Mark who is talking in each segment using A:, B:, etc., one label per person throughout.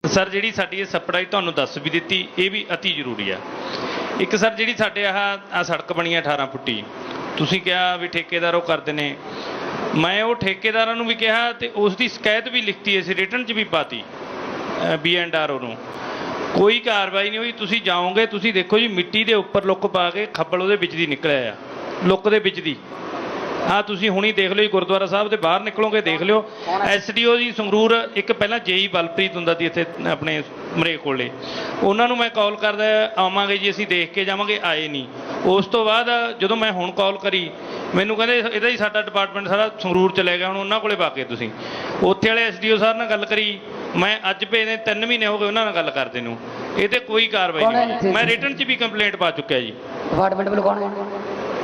A: Sir जी sari supply तुहानूं दस भी दी, ये भी अति जरूरी है। एक सर जी साढ़े आ सड़क बनी 18 फुटी, तुसीं कहा भी ठेकेदार वो करते हैं, मैं वो ठेकेदारां नूं भी कहा तो उसकी शिकायत भी लिखती है, रिटन च भी पाती BNRO नूं, कोई कार्रवाई नहीं हुई। तुसीं जाओगे, तुसीं देखो जी मिट्टी के उपर लुक पा के खब्बल उहदे विच दी निकलिया आ, लुक दे विच दी। हाँ तुसीं हुणी देख लो जी, गुरुद्वारा साहब के बाहर निकलोगे देख लियो। SDO जी संगरूर एक पहला JE बलप्रीत हुंदा सी इत्थे अपने मरेक कोले, उन्होंने मैं कॉल करदा आवांगे जी असीं देख के जावांगे, आए नहीं। उस तो बाद जदों मैं हुण कॉल करी मैनूं कहंदे इहदा ही साडा डिपार्टमेंट सारा संगरूर चले गया, हुण उन्हां कोले पा के तुसीं। उत्थे वाले SDO साहब नाल गल करी, मैं अज भेजने 3 महीने हो गए उन्हां नाल गल करदे नूं, इह ते कोई कार्रवाई नहीं। मैं रिटन च भी कंप्लेंट पा चुक्या जी।
B: डिपार्टमेंट वालों कौन है?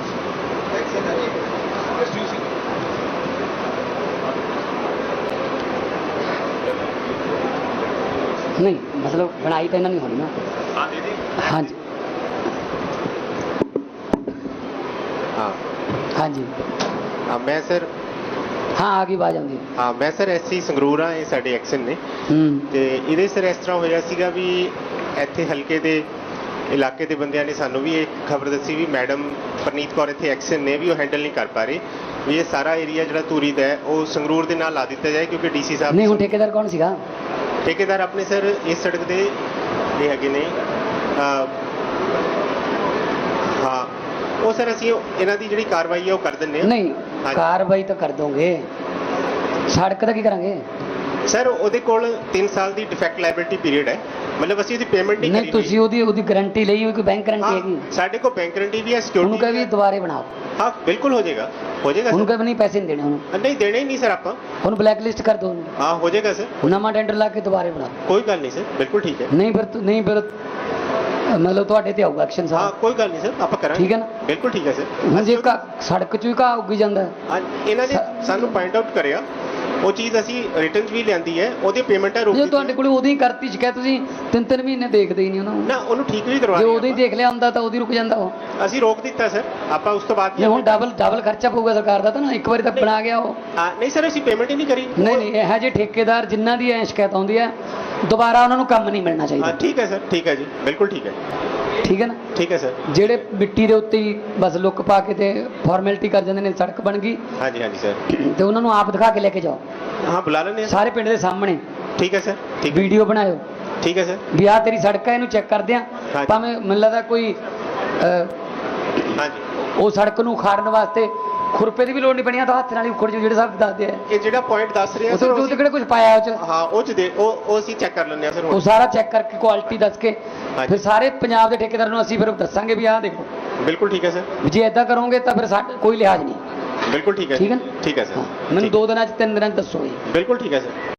B: नहीं मतलब बनाई तो इन्होंने नहीं होनी ना। हाँ जी
C: हाँ
B: हाँ जी
C: हाँ मैं सर
B: हाँ आ गई आवाज आती।
C: हाँ मैं सर SC संगरूर हाँ, ये साडे एक्शन ने ते इहदे सर इस तरह होया सीगा भी इत्थे हल्के दे इलाके के बंदियां ने सानू भी एक खबर दसी भी मैडम परनीत कौर इत्थे एक्शन ने भी वो हैंडल नहीं कर पा रहे भी ये सारा एरिया जो धूरी का है वो संगरूर के नाल ला दिता जाए, क्योंकि DC साहब
B: नहीं हुण ठेकेदार कौन सीगा?
C: ठेकेदार अपने सर इस सड़क के ये है ने हाँ वो सर असी इन्हां दी जिहड़ी कार्रवाई है वो कर दिंदे हां।
B: नहीं कार्रवाई तो कर दोगे, सड़क का की करांगे?
C: सर ਉਹਦੇ ਕੋਲ 3 ਸਾਲ ਦੀ ਡਿਫੈਕਟ ਲਾਇਬਿਲਿਟੀ ਪੀਰੀਅਡ ਹੈ, मतलब ਅਸੀਂ ਉਹਦੀ ਪੇਮੈਂਟ ਨਹੀਂ
B: नहीं ਤੁਸੀਂ ਉਹਦੀ ਗਾਰੰਟੀ ਲਈ ਹੋਈ, ਕੋਈ ਬੈਂਕ ਗਾਰੰਟੀ ਹੈਗੀ?
C: ਸਾਡੇ ਕੋਲ ਬੈਂਕ ਗਾਰੰਟੀ ਵੀ ਹੈ,
B: ਉਹਨੂੰ
C: ਸਿਕਿਉਰਿਟੀ
B: ਕਹੇ ਵੀ ਦੁਬਾਰੇ ਬਣਾਓ।
C: हाँ बिल्कुल हो जाएगा
B: ਉਹਨੂੰ ਕਹੇ ਵੀ ਨਹੀਂ ਪੈਸੇ ਨਹੀਂ ਦੇਣੇ ਉਹਨੂੰ,
C: नहीं देने ही नहीं सर आप
B: ਉਹਨੂੰ ਬਲੈਕ ਲਿਸਟ ਕਰ ਦੋ ਉਹਨੂੰ,
C: हाँ हो जाएगा सर,
B: ਨਵਾਂ ਟੈਂਡਰ ਲਾ ਕੇ ਦੁਬਾਰੇ ਬਣਾਓ।
C: कोई गल नहीं सर, बिल्कुल ठीक है।
B: ਨਹੀਂ ਫਿਰ मतलब ਤੁਹਾਡੇ ਤੇ ਆਊਗਾ ਐਕਸ਼ਨ
C: हाँ
B: ਸਾਹਿਬ।
C: कोई गल नहीं सर, आप करांगे
B: ठीक है ना?
C: बिल्कुल ठीक है सर।
B: ਹੁਣ ਜੇ ਸੜਕ 'ਚ ਵੀ ਘਾਹ ਉੱਗੀ ਜਾਂਦਾ
C: हाँ इन्हों ने सानू पॉइंट आउट करिया वो चीज़ असी रिटर्न भी लियांदी है, ਉਹਦੀ पेमेंट है रोक
B: ਜੇ
C: दी
B: ਤੁਹਾਡੇ ਕੋਲ ਉਦੋਂ ਹੀ ਕਰਤੀ ਸ਼ਿਕਾਇਤ, ਤੁਸੀਂ 3-3 ਮਹੀਨੇ ਦੇਖਦੇ ਹੀ ਨਹੀਂ ਉਹਨਾਂ ਨੂੰ।
C: ना ਉਹਨੂੰ ठीक भी करवा
B: ਜੇ ਉਦੋਂ ਹੀ ਦੇਖ ਲਿਆ ਹੁੰਦਾ ਤਾਂ ਉਦੋਂ ਹੀ ਰੁਕ ਜਾਂਦਾ ਉਹ।
C: ਅਸੀਂ रोक ਦਿੱਤਾ ਸਰ, ਆਪਾਂ ਉਸ ਤੋਂ ਬਾਅਦ
B: ਜੇ ਹੁਣ ਡਬਲ ਖਰਚਾ ਪਊਗਾ ਸਰਕਾਰ ਦਾ ਤਾਂ ਨਾ, ਇੱਕ ਵਾਰੀ ਤਾਂ ਬਣਾ ਗਿਆ ਉਹ।
C: ਹਾਂ ਨਹੀਂ ਸਰ ਅਸੀਂ ਪੇਮੈਂਟ ਹੀ ਨਹੀਂ ਕਰੀ।
B: ਨਹੀਂ ਇਹ ਜਿਹੇ ਠੇਕੇਦਾਰ ਜਿਨ੍ਹਾਂ ਦੀ ਐ ਸ਼ਿਕਾਇਤ ਆਉਂਦੀ ਹੈ ਦੁਬਾਰਾ ਉਹਨਾਂ ਨੂੰ ਕੰਮ ਨਹੀਂ ਮਿਲਣਾ ਚਾਹੀਦਾ।
C: ਹਾਂ ਠੀਕ ਹੈ ਸਰ, ਠੀਕ ਹੈ ਜੀ, ਬਿਲਕੁਲ ਠੀਕ ਹੈ।
B: ਠੀਕ ਹੈ ਨਾ?
C: ਠੀਕ ਹੈ ਸਰ।
B: ਜਿਹੜੇ ਮਿੱਟੀ ਦੇ ਉੱਤੇ ਹੀ ਬਸ ਲੁੱਕ ਪਾ ਕੇ ਤੇ ਫਾਰਮੈਲਿਟੀ ਕਰ ਜਾਂਦੇ ਨੇ, ਸੜਕ ਬਣ ਗਈ
C: ਹਾਂਜੀ ਹਾਂਜੀ ਸਰ,
B: ਤੇ ਉਹਨਾਂ ਨੂੰ ਆਪ ਦਿਖਾ ਕੇ ਲੈ ਕੇ ਜਾਓ।
C: ਹਾਂ ਬੁਲਾ ਲੈਂਦੇ ਹਾਂ
B: ਸਾਰੇ ਪਿੰਡ ਦੇ ਸਾਹਮਣੇ।
C: ਠੀਕ ਹੈ ਸਰ, ਠੀਕ ਹੈ,
B: ਵੀਡੀਓ ਬਣਾਇਓ।
C: ਠੀਕ ਹੈ ਸਰ।
B: ਵੀ ਆਹ ਤੇਰੀ ਸੜਕ ਹੈ, ਇਹਨੂੰ ਚੈੱਕ ਕਰਦੇ ਆ।
C: ਹਾਂਜੀ।
B: ਭਾਵੇਂ ਮੈਨੂੰ ਲੱਗਦਾ ਕੋਈ
C: ਹਾਂਜੀ
B: ਉਹ ਸੜਕ ਨੂੰ ਉਖਾੜਨ ਵਾਸਤੇ ਖੁਰਪੇ ਦੀ ਵੀ ਲੋੜ ਨਹੀਂ ਪਣੀ, ਤਾਂ ਹੱਥ ਨਾਲ ਹੀ ਉਖੜ ਜੋ, ਜਿਹੜੇ ਸਾਹਿਬ ਦੱਸਦੇ ਆ।
C: ਇਹ ਜਿਹੜਾ ਪੁਆਇੰਟ ਦੱਸ ਰਿਹਾ
B: ਸਰ ਉਹ ਕਿਹੜਾ ਕੁਝ ਪਾਇਆ ਉਹ ਚ?
C: ਹਾਂ ਉਹ ਚ ਦੇ ਉਹ ਅਸੀਂ ਚੈੱਕ ਕਰ ਲੈਂਦੇ ਹਾਂ ਸਰ।
B: ਉਹ ਸਾਰਾ ਚੈੱਕ ਕਰਕੇ ਕੁਆਲਿਟੀ ਦੱਸ ਕੇ
C: ਹਾਂਜੀ।
B: ਫਿਰ ਸਾਰੇ ਪੰਜਾਬ ਦੇ ਠੇਕੇਦਾਰ ਨੂੰ ਅਸੀਂ ਫਿਰ ਦੱਸਾਂਗੇ ਵੀ ਆਹ ਦੇਖੋ,
C: ਬਿਲਕੁਲ ਠੀਕ ਹੈ ਸਰ,
B: ਵੀ ਜੇ ਇਦਾਂ ਕਰੋਗੇ ਤਾਂ ਫਿਰ ਸਾਡਾ ਕੋਈ ਲਿਹਾਜ਼ ਨਹੀਂ।
C: ਬਿਲਕੁਲ ਠੀਕ ਹੈ।
B: ਠੀਕ ਹੈ
C: ਠੀਕ ਹੈ ਸਰ,
B: ਮੈਨੂੰ 2 ਦਿਨਾਂ ਚ 3 ਦਿਨਾਂ ਚ ਦੱਸੋ ਜੀ।
C: ਬਿਲਕੁਲ ਠੀਕ ਹੈ ਸਰ।